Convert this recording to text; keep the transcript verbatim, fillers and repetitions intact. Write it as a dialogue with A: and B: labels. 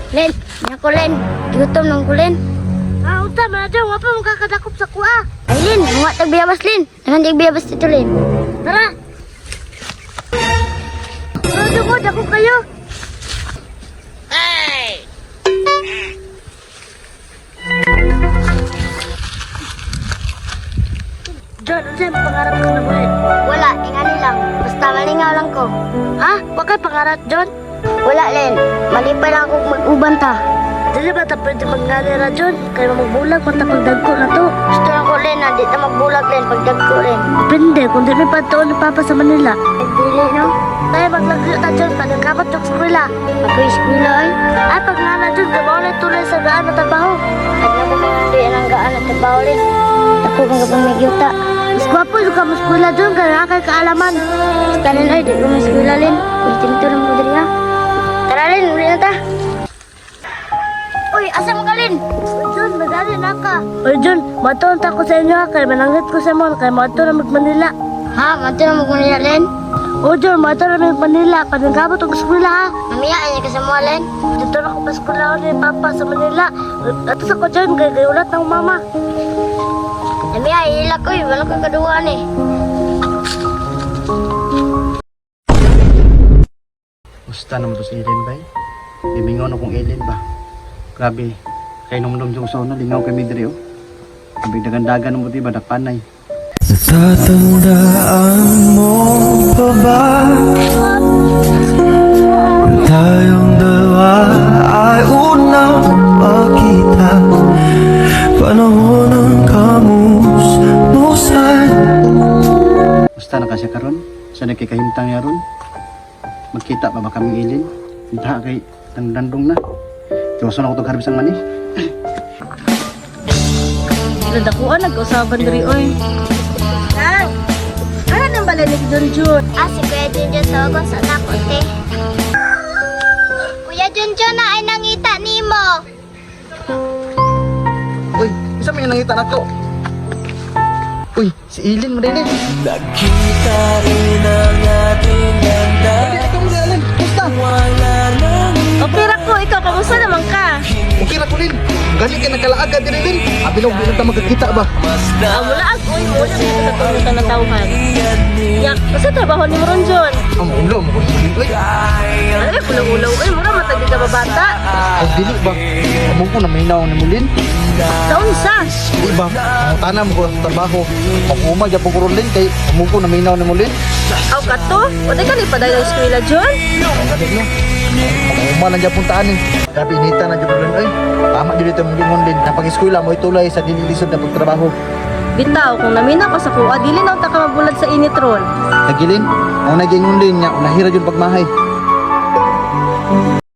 A: Len, nako Len. Gutom nang ko Len. Ah, uta man dyan. Wapa mong kakadakop sa kuha. Ay Len, mga tagbiyabas Len. Naman tagbiyabas dito Len. Tara. Tara mo, dakop kayo. Ay! John, ano sa'yo pangarap ka na buhay? Wala, ingani lang. Basta malingaw lang ko. Ha? Bakit pangarap, John? Wala, Len. Mali pa lang akong mag-uban ta. Dili ba ta pwede mag-nalira, John? Kaya magbulag, mata pagdagko na to. Gusto lang ko, Len, na di na magbulag, Len, pagdagko, Len. Depende, kung di may pagtuon ni Papa sa Manila. Dili, no? Tayo maglagyo ta, John, pagkakapat yung eskwela. Pag-eskwela, ay? Ay, pag nga na, John, gabaw na tuloy sa gaan na trabaho. At na ko mga ang gaan na trabaho, Len. Ako kung kapag nagyuta. Mas gwapo yung ka mas eskwela, John, kaya kay kaalaman. Basta, Len, ay, di ko mas eskwela, Len. Kuntinto lang mo diri, ha? Tara, Len, uli na ta. Uy, asa mo ka, Len? John, madali na ka. Uy, John, matuon ta ko sa inyo, ha? Kaya mananggit ko sa mo, kaya matuon na mag-Manila. Ha? Matuon na mag-Manila, Len? O, John, matuon na mag-Manila. Panagkabot ang eskwela, ha? Mamaya, ay ka sa mo, Len? Dito na ko pa eskwela ko ni Papa sa Manila. At sa ko, John, kaya kaya ulat ng mama. Mamaya, iilak ko, eh. Walang kagaduhan, eh.
B: Gusta naman to si Ellen ba eh? Bimingaw na kong Ellen ba? Grabe, kay nung-nung yung usaw na, lingaw kay Midri oh. Sabi dagan-dagan mo diba, dakpanay.
C: Natatandaan mo pa ba? Tayong dalawa ay unang magkita. Panahon ng kamusmusan.
B: Gusta na kasi karon? Sa nagkikahimtang niya ron? Magkita pa ba kami Ellen? Hindi kay dandandong na. Diyoso na ko itong harbisang mani.
D: Sila dakuan, nag-usapan diri oy. Nang! Ano nang balalig doon, Jun?
A: Ah, si Kuya Junjun tawag sa nakot eh. Kuya Junjun na ay nangita ni mo.
B: Uy, isa may nangita na ko. Uy, si Ellen mo rin eh.
C: Nakita rin ang ating ganda.
B: Ikaw mo rin Ellen, gusta?
C: Wala nang
D: Okay ra ko, ikaw, kamusta naman ka?
B: Okay na ko rin. Galing ka nagkalaaga din Ellen. Abinog, di na magkakita ba?
D: Ah, mula ang uy mo, na dito sa tulutan ng tauhan. Yak, kasi trabaho ni mo ron, Jun.
B: Ang ulo mo ko rin. Uy,
D: Ano eh, pulang-ulaw, uy, mura matagi ka ba bata?
B: ang dili ba? Among ko na may naong ni Mulin.
D: Taon sa?
B: Di ba? Ang tanam ko sa trabaho. Pag-uma, dyan po ko rin kay among ko na may naong ni Mulin.
D: Aw ka to? Wala ka ni paday ng eskwela, Jun?
B: Ang galing na. Pag-uma na dyan puntaan eh. Grabe, inita na dyan po rin. Ay, tama dyan dito mong Mulin. Napag-eskwela mo itulay sa dinilisod na pagtrabaho.
D: Bitaw, kung namina ka sa kuha, dili na ta ka mabulag sa init ron.
B: Nagilin, ang naging Mulin niya, unahira dyan pagmahay.